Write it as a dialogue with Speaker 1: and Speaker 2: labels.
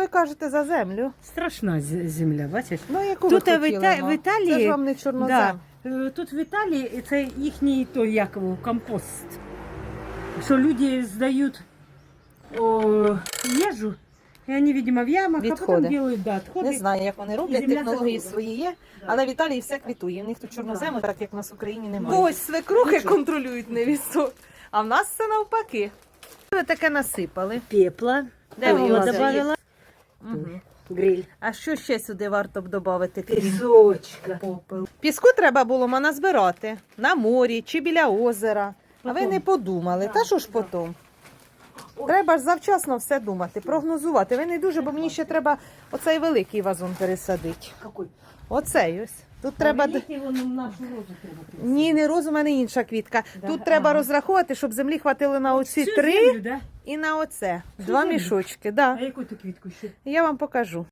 Speaker 1: ви кажете за землю?
Speaker 2: Страшна земля, бачиш?
Speaker 1: Ну, яку
Speaker 2: Тут
Speaker 1: ви
Speaker 2: в,
Speaker 1: хотіли, ну?
Speaker 2: в Італії,
Speaker 1: Це ж вам не чорнозем.
Speaker 2: тут в Італії це їхній той, як його, компост. Що люди здають їжу, і вони, видимо, в ямах, а
Speaker 1: Відходи.
Speaker 2: потім роблять відходи.
Speaker 1: Не знаю, як вони роблять,
Speaker 2: Земля
Speaker 1: технології
Speaker 2: захопила.
Speaker 1: свої є, але в Італії все квітує. В них тут чорнозему, так як в нас в Україні немає.
Speaker 2: Ось
Speaker 1: Ось свекрухи контролюють невісток, а в нас все навпаки. Ви таке насипали.
Speaker 2: Пепла.
Speaker 1: Де ви його
Speaker 2: добавила?
Speaker 1: Угу.
Speaker 2: Гриль.
Speaker 1: А що ще сюди варто б додати?
Speaker 2: Пісочка.
Speaker 1: Попел. Піску треба було назбирати на морі чи біля озера. А ви
Speaker 2: Потом.
Speaker 1: не подумали. Та що ж потім? Треба ж завчасно все думати, прогнозувати. Ви не дуже, бо мені ще треба оцей великий вазон пересадити.
Speaker 2: Какой?
Speaker 1: Оцей ось. Тут треба...
Speaker 2: Великий, вон в нашу розу треба принести.
Speaker 1: Ні, не розум, у мене інша квітка.
Speaker 2: Да?
Speaker 1: Тут треба
Speaker 2: Ага.
Speaker 1: розраховувати, щоб землі хватило на оці
Speaker 2: Всю
Speaker 1: 3
Speaker 2: землю, да?
Speaker 1: і на оце.
Speaker 2: Всю
Speaker 1: 2
Speaker 2: землю?
Speaker 1: мішочки. Да.
Speaker 2: А яку ти квітку ще?
Speaker 1: Я вам покажу.